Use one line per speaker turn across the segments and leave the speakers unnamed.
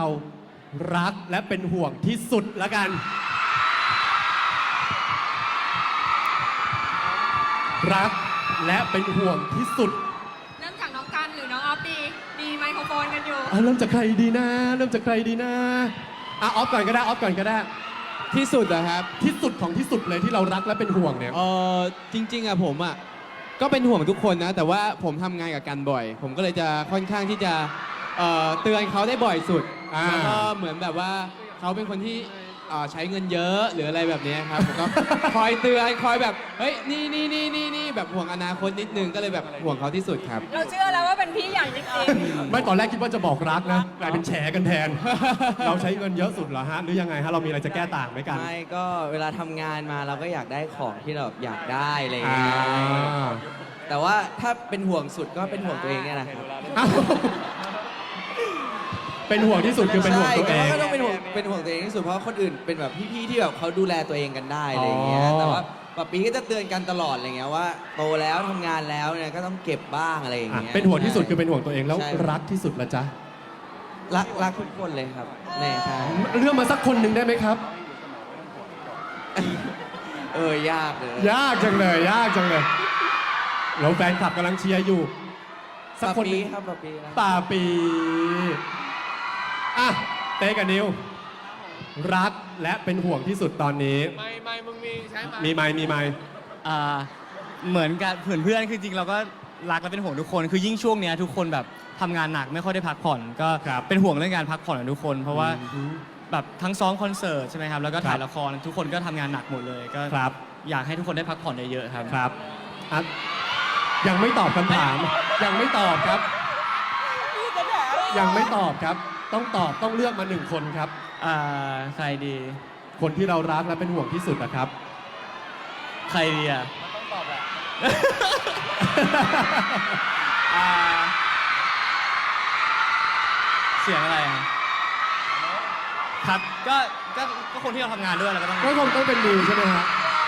เรารักและเป็นห่วงที่สุดละกันรักและเป็นห่วงที่สุด
เริ่มจากน้องกันหรือน้องออฟดีมีไมโครโฟนกันอยู่
เริ่มจากใครดีนะเริ่มจากใครดีนะออฟก่อนก็ได้ออฟก่อนก็ได้
ที่สุดนะครับ
ที่สุดของที่สุดเลยที่เรารักและเป็นห่วงเนี่ย
จริงๆอะผมอะก็เป็นห่วงทุกคนนะแต่ว่าผมทำงานกับกันบ่อยผมก็เลยจะค่อนข้างที่จะเตือนเขาได้บ่อยสุดแล้วก็เหมือนแบบว่าเขาเป็นคนที่ใช้เงินเยอะหรืออะไรแบบนี้ครับผมก็คอยเตือนคอยแบบเฮ้ยนี่แบบห่วงอนาคตนิดนึงก็เลยแบบห่วงเขาที่สุดครับ
เราเชื่อแล้วว่าเป็นพี่ใหญ่จริง
ไม่ตอนแรกคิดว่าจะบอกรักนะกลายเป็นแฉกันแทนเราใช้เงินเยอะสุดเหรอฮะหรือยังไงฮะเรามีอะไรจะแก้ต่างไหมกัน
ไม่ก็เวลาทำงานมาเราก็อยากได้ของที่เราอยากได้อะไรอย่างเงี้ยแต่ว่าถ้าเป็นห่วงสุดก็เป็นห่วงตัวเองเนี่ยนะครับ
เป็นห่วงที่สุดคือเป็นห่วงตัวเอง
ก็ต้องเป็นห่วงตัวเองที่สุดเพราะคนอื่นเป็นแบบพี่ๆที่แบบเขาดูแลตัวเองกันได้อะไรอย่างเงี้ยแต่ว่าป๊าปีก็จะเตือนกันตลอดอะไรเงี้ยว่าโตแล้วทำงานแล้วเนี่ยก็ต้องเก็บบ้างอะไรอย่างเงี้ย
เป็นห่วงที่สุดคือเป็นห่วงตัวเองแล้วรักที่สุดละจ๊ะ
รักทุกคนเลยครับแน่ใช่
เลือกมาสักคนหนึ่งได้ไหมครับ
ยากเลย
ยากจังเลยยากจังเลยแล้วแฟนคลับกำลังเชียร์อยู่
สักคนนี้ครับ
ป่าปีอ่ะเต้กับนิวรักและเป็นห่วงที่สุดตอนนี้
ไม่มึงมีใช่ไหม
มีไม
เหมือนกับเพื่อนคือจริงเราก็รักและเป็นห่วงทุกคนคือยิ่งช่วงเนี้ยทุกคนแบบทำงานหนักไม่ค่อยได้พักผ่อนก็เป็นห่วงเรื่องการพักผ่อนของทุกคนเพราะว่าแบบทั้งซ้อมคอนเสิร์ตใช่ไหมครับแล้วก็ถ่ายละครทุกคนก็ทำงานหนักหมดเลยก็อยากให้ทุกคนได้พักผ่อนเยอะๆครับ
ครับยังไม่ตอบคำถามยังไม่ตอบครับยังไม่ตอบครับต้องตอบต้องเลือกมาหนึ่งคนครับ
ใครดี
คนที่เรารักและเป็นห่วงที่สุดนะครับ
ใครดีอ่ะต้องตอบแหละเสียงอะไรครับก็คนที่เราทำงานด้วยแล้วก็
ต้องเป็นนิวใช่ไหมฮะ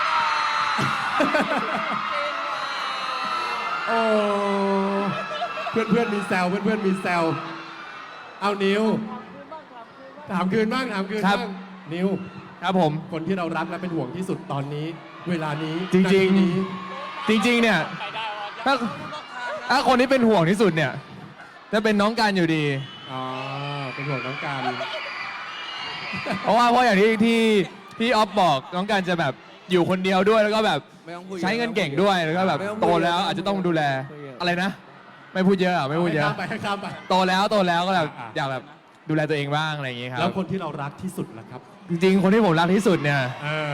โอ้เพื่อนมีแซวเพื่อนมีแซวเอานิวถามคืนบ้างนิว
ครับผม
คนที่เรารักและเป็นห่วงที่สุดตอนนี้เวลานี้
จริงเนี่ยถ้าคนที่เป็นห่วงที่สุดเนี่ยจะเป็นน้องการอยู่ดี
เป็นห่วงน้องการ
เพราะอย่างที่พี่ออฟบอกน้องการจะแบบอยู่คนเดียวด้วยแล้วก็แบบใช้เงินเก่งด้วยแล้วก็แบบโตแล้วอาจจะต้องดูแลอะไรนะไม่พูดเยอะไม่พูดเยอะ
ข้ามไป
โตแล้วก็แบบอยากแบบดูแลตัวเองบ้างอะไรอย่างงี้ครับ
แล้วคนที่เรารักที่สุดล่ะครับ
จริงๆคนที่ผมรักที่สุดเนี่ย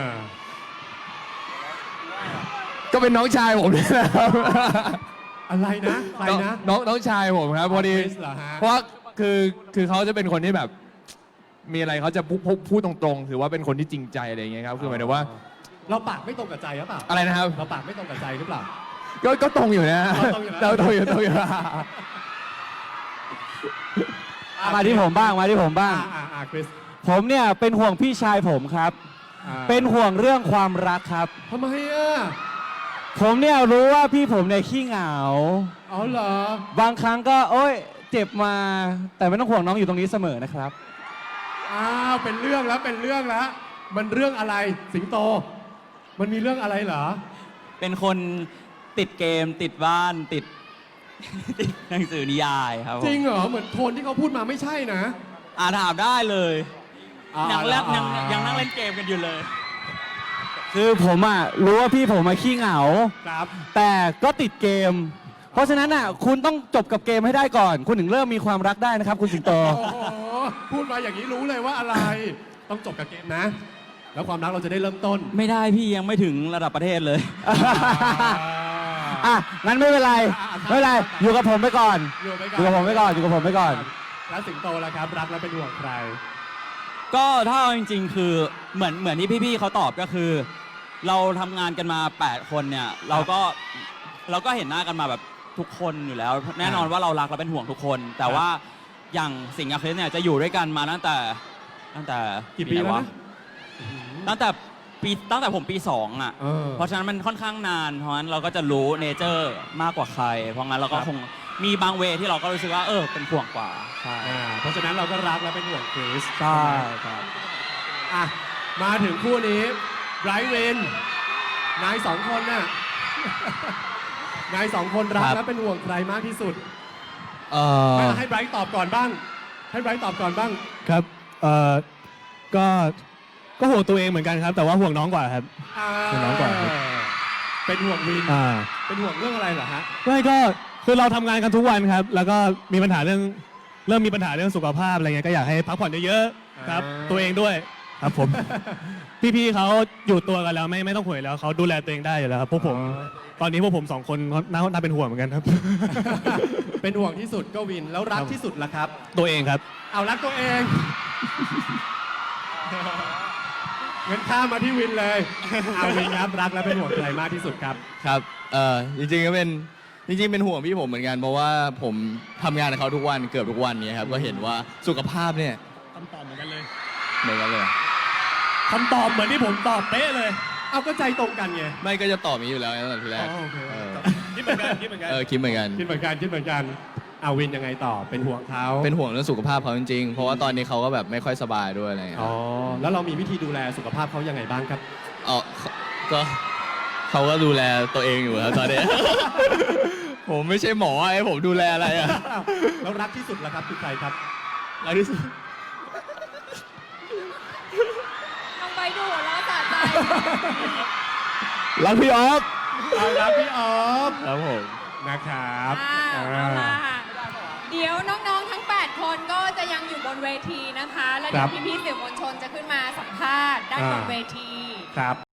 ก็เป็นน้องชายผมนี่แหละครับ
อะไรนะใครนะ
น้องชายผมครับพอดีเพราะคือเขาจะเป็นคนที่แบบมีอะไรเขาจะพูดตรงๆถือว่าเป็นคนที่จริงใจอะไรอย่างเงี้ยครับคือหมายถึงว่า
เราปากไม่ตรงกับใจหรือเปล่า
อะไรนะครับ
เราปากไม่ตรงกับใจหรือเปล่า
ก็ตรงอยู่นะเราตรงอยู่
มาที่ผมบ้าง
คริส
ผมเนี่ยเป็นห่วงพี่ชายผมครับเป็นห่วงเรื่องความรักครับ
ทำไมอ่ะ
ผมเนี่ยรู้ว่าพี่ผมเนี่ยขี้เหงา
เหรอบ
างครั้งก็โอ๊ยเจ็บมาแต่ไม่ต้องห่วงน้องอยู่ตรงนี้เสมอนะครับ
เป็นเรื่องแล้วมันเรื่องอะไรสิงโตมันมีเรื่องอะไรเหรอ
เป็นคนติดเกมติดบ้านติดหนังสือนิยายครับ
จริงเหรอเหมือนโทนที่เขาพูดมาไม่ใช่นะ
ถามได้เลยยังนั่งเล่นเกมกันอยู่เลย
คือผมรู้ว่าพี่ผมขี้เหงาแต่ก็ติดเกมเพราะฉะนั้นคุณต้องจบกับเกมให้ได้ก่อนคุณถึงเริ่มมีความรักได้นะครับคุณสิงโต
พูดมาอย่างนี้รู้เลยว่าอะไรต้องจบกับเกมนะแล้วความรักเราจะได้เริ่มต้น
ไม่ได้พี่ยังไม่ถึงระดับประเทศเลย
งั้นไม่เป็นไรอยู่กับผมไปก่อนอยู่กับผมไปก่อน
แล้วสิงโตล่ะครับรักแล้วเป็นห่วงใคร
ก็ถ้าจริงๆคือเหมือนที่พี่ๆเขาตอบก็คือเราทำงานกันมา8คนเนี่ยเราก็เห็นหน้ากันมาแบบทุกคนอยู่แล้วแน่นอนว่าเรารักและเป็นห่วงทุกคนแต่ว่าอย่างสิงห์กับคริสเนี่ยจะอยู่ด้วยกันมาตั้งแต่
กี่ปีแล้ว
ตั้งแต่ผมปี2เพราะฉะนั้นมันค่อนข้างนานเพราะฉะนั้นเราก็จะรู้เนเจอร์มากกว่าใครเพราะงั้นเราก็คง
มีบางเวที่เราก็รู้สึกว่าเป็นห่วงกว่าใช่
เพราะฉะนั้นเราก็รักและเป็นห่วงคริส
ใช่ครับ
อ่ะมาถึงคู่นี้ไบรท์วินนายสองคนน่ะ นายสองคนรัก
ครับ
และเป็นห่วงใครมากที่สุด
เอ่อ
ให้ไบรท์ตอบก่อนบ้าง ให้ไบรท์ตอบก่อนบ้าง
ครับก็ห่วงตัวเองเหมือนกันครับ แต่ว่าห่วงน้องกว่าครับ เป็นน้องก่อนครับ
เป็นห่วงวิน
อ่า
เป็นห่วงเรื่องอะไรเหรอฮะ
ไม่ก็คือเราทำงานกันทุกวันครับ แล้วก็มีปัญหาเริ่มมีปัญหาเรื่องสุขภาพอะไรเงี้ยก็อยากให้พักผ่อนเยอะๆครับ ตัวเองด้วยครับผม พี่ๆเขาอยู่ตัวกันแล้วไม่ต้องห่วงแล้วเขาดูแลตัวเองได้อยู่แล้วครับพวกผมตอนนี้พวกผมสองคนน่าเป็นห่วงเหมือนกันครับ
เป็นห่วงที่สุดก็วิน แล้วรักที่สุดล่ะครับ
ตัวเองครับ
เอารักตัวเองงั้นข้ามมาที่วินเลย เอาวินครับรักและเป็นห่วงใครมากที่สุดครับ
ครับจริงๆก็เป็นห่วงพี่ผมเหมือนกัน เพราะว่าผมทำงานกับเขาทุกวันเกือบทุกวันนี้ครับ ก็เห็นว่าสุขภาพเนี่ย
คำตอบเหมือนกันเลย
เหมือนกันเลย
คำตอบเหมือนที่ผมตอบเป๊ะเลย
เอาก็ใจตรงกันไง
ไม่ก็จะตอบนี้อยู่แล้วตั้งแต่ทีแรก
อ๋อโอเค
คิดเหมือนกันคิดเหมือนกัน
คิดเหมือนกัน
คิดเหมือนกันคิดเหมือนกันเอาวินยังไงต่อเป็นห่วงเขา
เป็นห่วงเรื่องสุขภาพเขาจริงๆ เพราะว่าตอนนี้เขาก็แบบไม่ค่อยสบายด้วยอะไรอย่างเงี้ย
อ๋อแล้วเรามีวิธีดูแลสุขภาพเขายังไงบ้างครับ
อ๋อก็เขาก็ดูแลตัวเองอยู่แล้วตอนนี้ ผมไม่ใช่หมอให้ผมดูแลอะไรอ่ะ
แล้วรักที่สุดล่ะครับคือใครครับ
รักที่สุด
น้องไปดูหัวเราะสะใจ
รักพี่ออฟ
เอารักพี่ออฟ
ครับผม
นะครับ
เอาล่ะเดี๋ยวน้องๆ ทั้ง 8 คนก็จะยังอยู่บนเวทีนะคะ แล้วเดี๋ยวพี่ๆสื่อมวลชนจะขึ้นมาสัมภาษณ์ด้านบนเวที
ครับ